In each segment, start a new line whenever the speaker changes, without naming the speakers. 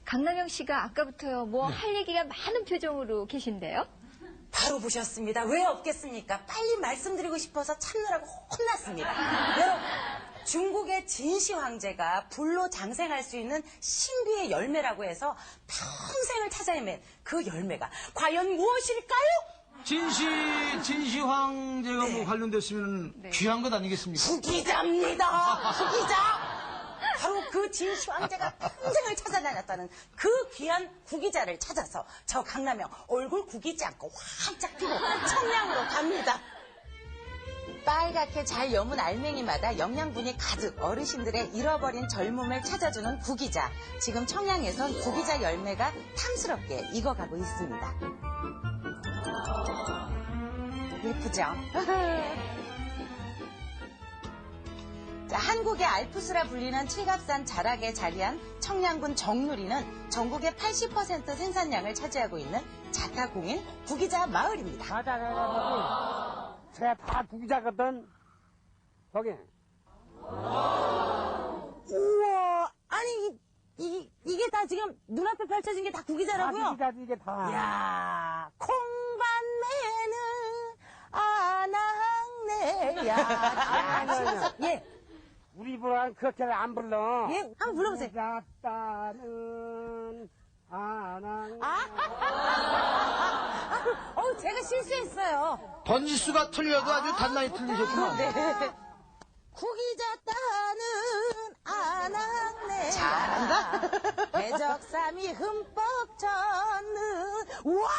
강남영 씨가 아까부터요, 뭐 할 얘기가 많은 표정으로 계신데요?
바로 보셨습니다. 왜 없겠습니까? 빨리 말씀드리고 싶어서 참느라고 혼났습니다. 여러분, 중국의 진시 황제가 불로 장생할 수 있는 신비의 열매라고 해서 평생을 찾아 헤맨 그 열매가 과연 무엇일까요?
진시 황제가
네.
뭐 관련됐으면 귀한 것 아니겠습니까?
후기자입니다. 후기자. 바로 그 진시 황제가 평생을 찾아다녔다는 그 귀한 구기자를 찾아서 저 강남영 얼굴 구기지 않고 활짝 피고 청량으로 갑니다. 빨갛게 잘 여문 알맹이마다 영양분이 가득 어르신들의 잃어버린 젊음을 찾아주는 구기자. 지금 청량에선 구기자 열매가 탐스럽게 익어가고 있습니다. 예쁘죠? 자, 한국의 알프스라 불리는 칠갑산 자락에 자리한 청량군 정누리는 전국의 80% 생산량을 차지하고 있는 자타공인 구기자 마을입니다.
자타가 제가 다 구기자거든. 저기.
우와, 아니 이게 다 지금 눈앞에 펼쳐진 게 다 구기자라고요?
다 구기자지 이게 다.
야, 콩밭내는 아낙네야.
아니요.
예,
우리 입으로는 그렇게 안 불러.
예, 한번 불러보세요.
구기자따는 아낭.
제가 실수했어요.
번지수가 틀려도 아주 단단히 틀리셨구만.
네. 구기자따는 아낙네. 잘한다. 배적삼이 흠뻑 젖는. 우와!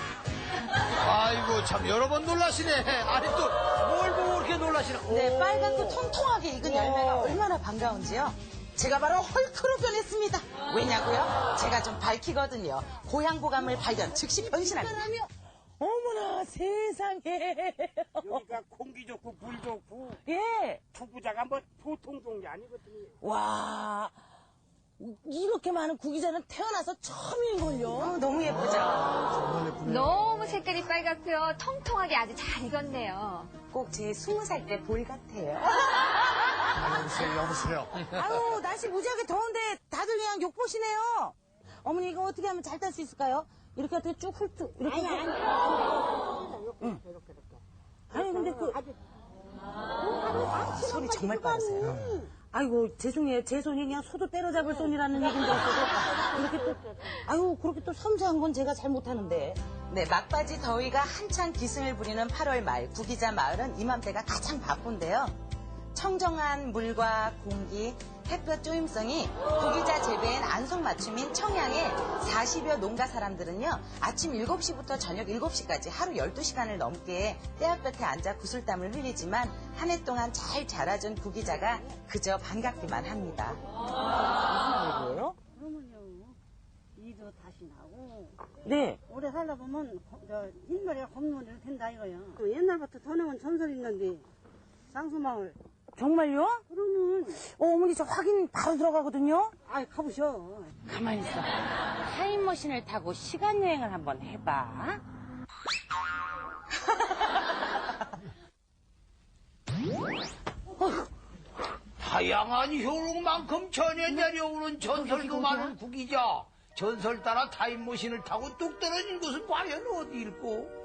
아이고, 참, 여러 번 놀라시네. 아니, 또, 뭘 보고 그렇게 놀라시나.
네,
오.
빨갛고 통통하게 익은 열매가 얼마나 반가운지요. 제가 바로 헐크로 변했습니다. 왜냐고요? 제가 좀 밝히거든요. 고향고감을 발견, 즉시 변신합니다. 어머나 세상에.
여기가 공기 좋고 물 좋고
예.
구기자가 뭐 보통 좋은 게 아니거든요.
와, 이렇게 많은 구기자는 태어나서 처음일걸요. 너무 예쁘죠?
너무 색깔이 빨갛고요, 통통하게 아주 잘 익었네요.
꼭 제 20살 때 볼 같아요.
여보세요.
아유, 날씨 무지하게 더운데 다들 그냥 욕보시네요. 어머니 이거 어떻게 하면 잘 딸 수 있을까요? 이렇게 어떻게 쭉 훑고 이렇게. 응. 아니 근데 소리 정말 빠르세요. 아이고 죄송해요. 제 손이 그냥 소도 때려잡을 손이라는 얘기인 줄 알았어도 이렇게 또 아유 그렇게 또 섬세한 건 제가 잘 못하는데. 네, 막바지 더위가 한창 기승을 부리는 8월 말 구기자 마을은 이맘때가 가장 바쁜데요. 청정한 물과 공기, 햇볕 쪼임성이 구기자 재배엔 안성맞춤인 청양의 40여 농가 사람들은요. 아침 7시부터 저녁 7시까지 하루 12시간을 넘게 떼약볕에 앉아 구슬땀을 흘리지만 한 해 동안 잘 자라준 구기자가 그저 반갑기만 합니다. 무슨 일이에요?
그러면요, 이도 다시 나고,
네.
오래 살다 보면, 흰머리가 검머리가 된다 이거요. 옛날부터 더 나온 전설이 있는데, 쌍수마을.
정말요?
그러면,
어머니 저 확인 바로 들어가거든요.
아이, 가보셔.
가만히 있어. 타임머신을 타고 시간여행을 한번 해봐.
다양한 효능만큼 전해 내려오는 전설도 많은 구기자. 전설 따라 타임머신을 타고 뚝 떨어진 곳은 과연 어디일꼬?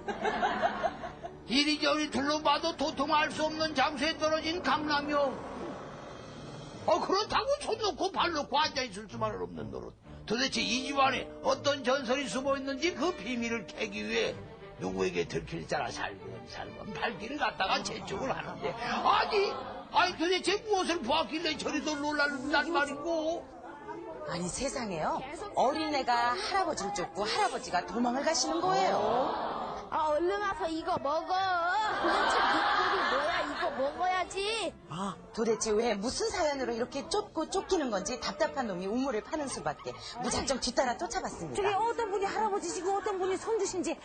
이리저리 둘러봐도 도통 알 수 없는 장소에 떨어진 강남영. 그렇다고 손 놓고 발 놓고 앉아있을 수만은 없는 노릇. 도대체 이 집안에 어떤 전설이 숨어있는지 그 비밀을 캐기 위해 누구에게 들킬 자라 살금살금 발길을 갖다가 재촉을 하는데 아니 도대체 무엇을 보았길래 저리도 놀랄단 말인고?
아니 세상에요. 어린애가 할아버지를 쫓고 할아버지가 도망을 가시는 거예요.
얼른 와서 이거 먹어. 도대체 목소리 뭐야? 이거 먹어야지.
도대체 왜 무슨 사연으로 이렇게 쫓고 쫓기는 건지 답답한 놈이 우물을 파는 수밖에. 무작정 뒤따라 쫓아봤습니다. 저기 어떤 분이 할아버지시고 어떤 분이 손주신지.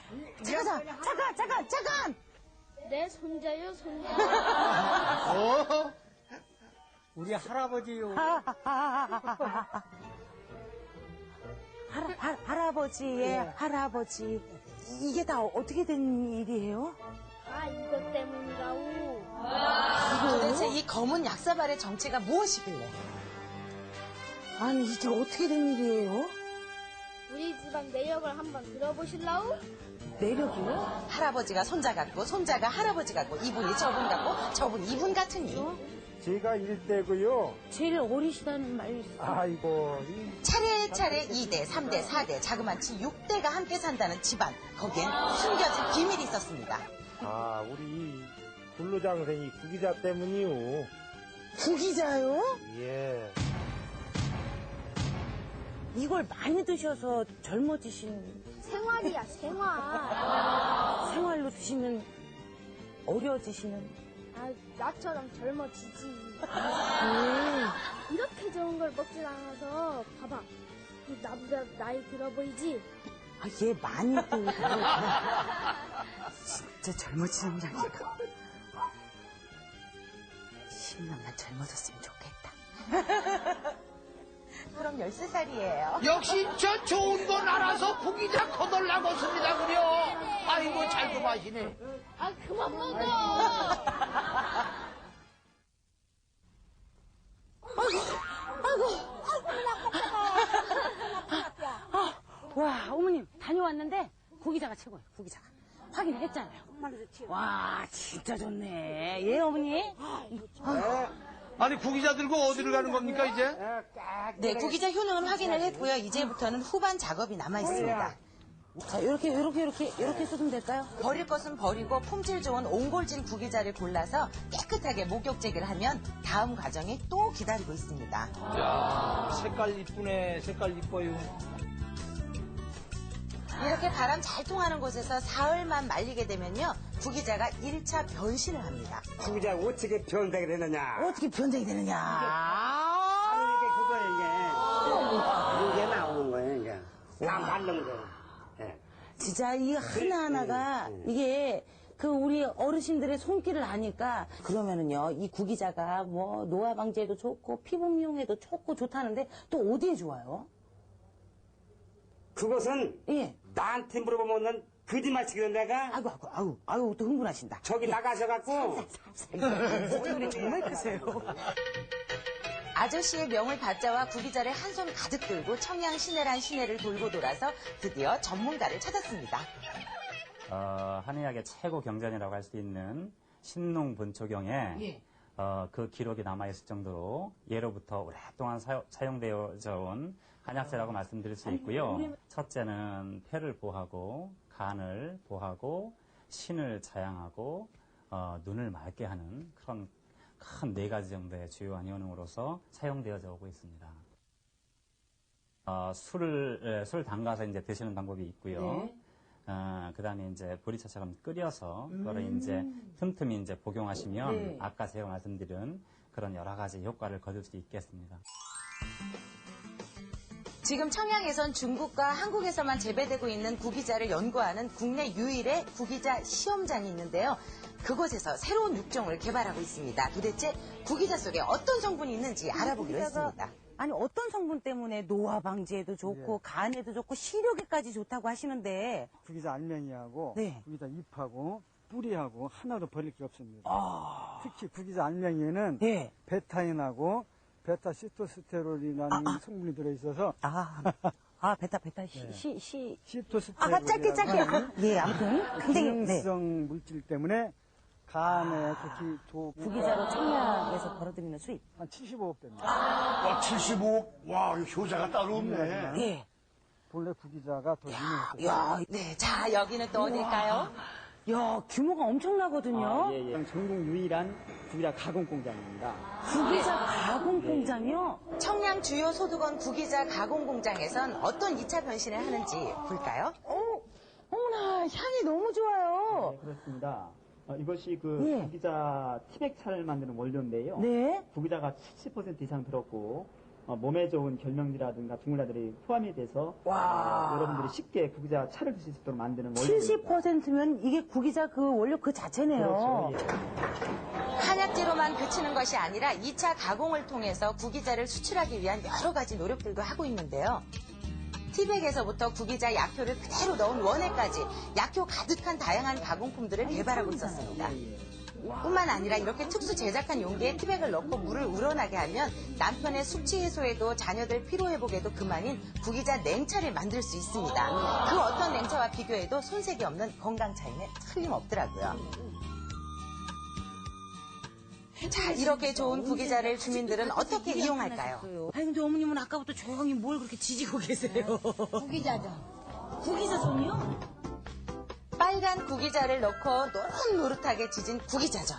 잠깐.
내 손자요, 손자.
우리 할아버지요.
할아버지의 할아버지. 이게 다 어떻게 된 일이에요?
이것 때문이라고.
도대체 이 검은 약사발의 정체가 무엇이길래? 아니, 이게 어떻게 된 일이에요?
우리 집안 내역을 한번 들어보실라우?
내력이요? 할아버지가 손자 같고, 손자가 할아버지 같고, 이분이 저분 같고, 저분 이분 같으니.
제가 1대고요.
제일 어리시다는 말이
아이고.
차례차례 2대, 3대, 4대, 자그마치 6대가 함께 산다는 집안. 거기엔 숨겨진 비밀이 있었습니다.
아, 우리 불로장생이 구기자 때문이요.
구기자요?
예.
이걸 많이 드셔서 젊어지신,
생활이야, 생활.
생활로 드시면 어려지시는.
아, 나처럼 젊어지지. 이렇게 좋은 걸 먹질 않아서 봐봐. 나보다 나이 들어 보이지?
아, 얘 많이 드니까. 진짜 젊어지는이라니까. 10년만 젊어졌으면 좋겠다. 그럼 13살이에요.
역시 저 좋은 건 알아서 구기자 거덜나고 씁니다 그려. 아이고 잘도 마시네.
아, 그만 먹어!
와, 어머님, 다녀왔는데, 구기자가 최고예요, 구기자가. 확인했잖아요. 와, 진짜 좋네. 예, 어머니?
아니 구기자 들고 어디를 가는 겁니까 이제?
네, 구기자 효능은 확인을 했고요. 이제부터는 후반 작업이 남아 있습니다. 자, 이렇게 쏟으면 될까요? 버릴 것은 버리고 품질 좋은 옹골진 구기자를 골라서 깨끗하게 목욕제기를 하면 다음 과정이 또 기다리고 있습니다.
야 색깔 이쁘네. 색깔 이뻐요.
이렇게 바람 잘 통하는 곳에서 사흘만 말리게 되면요, 구기자가 1차 변신을 합니다.
구기자 어떻게 변색을 했느냐.
어떻게 변장이 되느냐?
아니, 이게 나오는 거예요, 이게. 다 말른 거. 예.
진짜 이 하나하나가 이게 그 우리 어르신들의 손길을 아니까 그러면은요, 이 구기자가 뭐 노화 방지에도 좋고 피부 미용에도 좋다는데 또 어디에 좋아요?
그것은
예.
나한테 물어보면 거짓말 치거든 내가.
아이고 또 흥분하신다.
저기 나가셔갖고.
소리 정말 크세요. 아저씨의 명을 받자와 구기자를 한 손 가득 들고 청양 시내란 시내를 돌고 돌아서 드디어 전문가를 찾았습니다.
한의학의 최고 경전이라고 할 수 있는 신농 본초경에 그 기록이 남아있을 정도로 예로부터 오랫동안 사용되어져 온 한약재라고 말씀드릴 수 있고요. 첫째는 폐를 보하고 간을 보하고 신을 자양하고 눈을 맑게 하는 그런 큰 4가지 정도의 주요한 효능으로서 사용되어져 오고 있습니다. 술 담가서 이제 드시는 방법이 있고요. 그 다음에 이제 보리차처럼 끓여서 그거를 이제 틈틈이 이제 복용하시면 아까 제가 말씀드린 그런 여러 가지 효과를 거둘 수 있겠습니다.
지금 청양에선 중국과 한국에서만 재배되고 있는 구기자를 연구하는 국내 유일의 구기자 시험장이 있는데요. 그곳에서 새로운 육종을 개발하고 있습니다. 도대체 구기자 속에 어떤 성분이 있는지 알아보기로 했습니다. 아니, 어떤 성분 때문에 노화 방지에도 좋고 간에도 좋고 시력에까지 좋다고 하시는데.
구기자 알맹이하고 구기자 잎하고 뿌리하고 하나도 버릴 게 없습니다. 특히 구기자 알맹이에는 베타인하고 베타시토스테롤이라는 성분이 들어있어서
베타
시토스테롤
짧게 예, 아무튼 굉장히
기능성 물질 때문에 간에 특히
구기자로 청량에서 벌어들이는 수입
한 75억 됩니다.
와 75억. 와 효자가 따로 없네.
예.
본래 구기자가 더 유명했어요.
네, 자 여기는 또 어딜까요? 야, 규모가 엄청나거든요.
전국 유일한 구기자 가공 공장입니다.
구기자 가공 공장이요? 청양 주요 소득원 구기자 가공 공장에선 어떤 2차 변신을 하는지 볼까요? 어머나, 향이 너무 좋아요.
네, 그렇습니다. 이것이 구기자 티백차를 만드는 원료인데요.
네.
구기자가 70% 이상 들었고 몸에 좋은 결명지라든가 중물자들이 포함이 돼서 여러분들이 쉽게 구기자 차를 드실 수 있도록 만드는 원료입니다.
70%면 이게 구기자 그 원료 그 자체네요.
그렇죠.
한약재로만 그치는 것이 아니라 2차 가공을 통해서 구기자를 수출하기 위한 여러 가지 노력들도 하고 있는데요. 티백에서부터 구기자 약효를 그대로 넣은 원액까지 약효 가득한 다양한 가공품들을 개발하고 있었습니다. 뿐만 아니라 이렇게 특수 제작한 용기에 티백을 넣고 물을 우러나게 하면 남편의 숙취 해소에도 자녀들 피로 회복에도 그만인 구기자 냉차를 만들 수 있습니다. 그 어떤 냉차와 비교해도 손색이 없는 건강 차이는 틀림없더라고요. 자, 이렇게 좋은 구기자를 주민들은 어떻게 이용할까요? 아니, 근데 어머님은 아까부터 조용히 뭘 그렇게 지지고 계세요?
구기자죠.
구기자전이요? 빨간 구기자를 넣고 노릇노릇하게 지진 구기자전.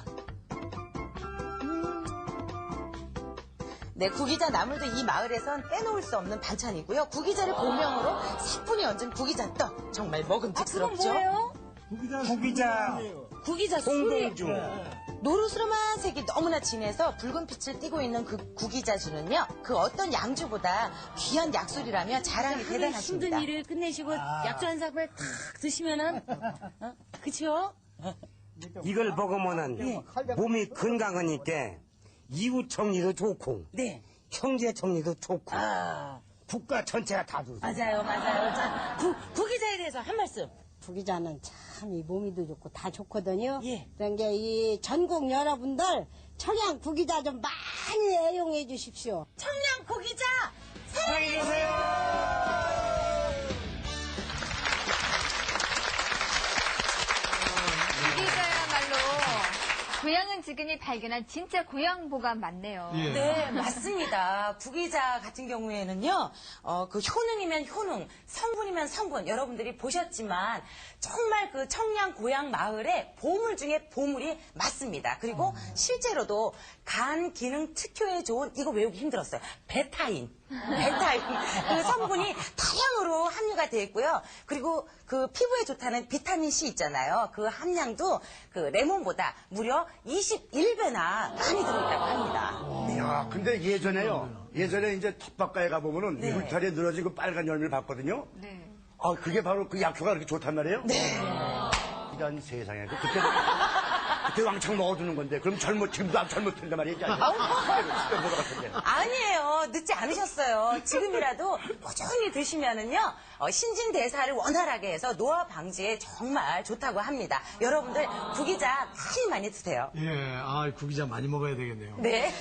네, 구기자 나물도 이 마을에선 빼놓을 수 없는 반찬이고요. 구기자를 고명으로 사뿐히 얹은 구기자떡. 정말 먹음직스럽죠? 구기자 송봉주. 노르스름한 색이 너무나 진해서 붉은 빛을 띠고 있는 그 구기자주는요, 그 어떤 양주보다 귀한 약술이라며 자랑이 대단하십니다.
힘든 일을 끝내시고 약주 한 사발 탁 드시면은, 그쵸?
이걸 먹으면은 몸이 건강하니까 이웃 정리도 좋고
네.
형제 정리도 좋고 국가 전체가 다 좋고.
맞아요. 자, 구기자에 대해서 한 말씀.
구기자는 참 이 몸이도 좋고 다 좋거든요.
예.
그런 게 이 전국 여러분들 청양 구기자 좀 많이 애용해 주십시오.
청량 구기자!
구기자야말로 고향은 지금이 발견한 진짜 고향보가 많네요.
네, 맞습니다. 구기자 같은 경우에는요, 그 효능이면 효능, 성분이면 성분, 여러분들이 보셨지만, 정말 그 청양 고향 마을의 보물 중에 보물이 맞습니다. 그리고 실제로도 간 기능 특효에 좋은, 이거 외우기 힘들었어요. 베타인. 그 성분이 다량으로 함유가 되어 있고요. 그리고 그 피부에 좋다는 비타민C 있잖아요. 그 함량도 그 레몬보다 무려 21배나 많이 들어있다고 합니다.
야, 근데 예전에 이제 텃밭가에 가보면은
네.
울타리에 늘어진 그 빨간 열매를 봤거든요.
네.
아, 그게 바로 그 약효가 그렇게 좋단 말이에요?
네.
이런 세상에. 그때 왕창 먹어두는 건데, 그럼 지금도 젊어진단 말이지.
아니에요. 늦지 않으셨어요. 지금이라도 꾸준히 드시면은요, 신진대사를 원활하게 해서 노화 방지에 정말 좋다고 합니다. 여러분들 구기자 많이 드세요.
예, 구기자 많이 먹어야 되겠네요.
네.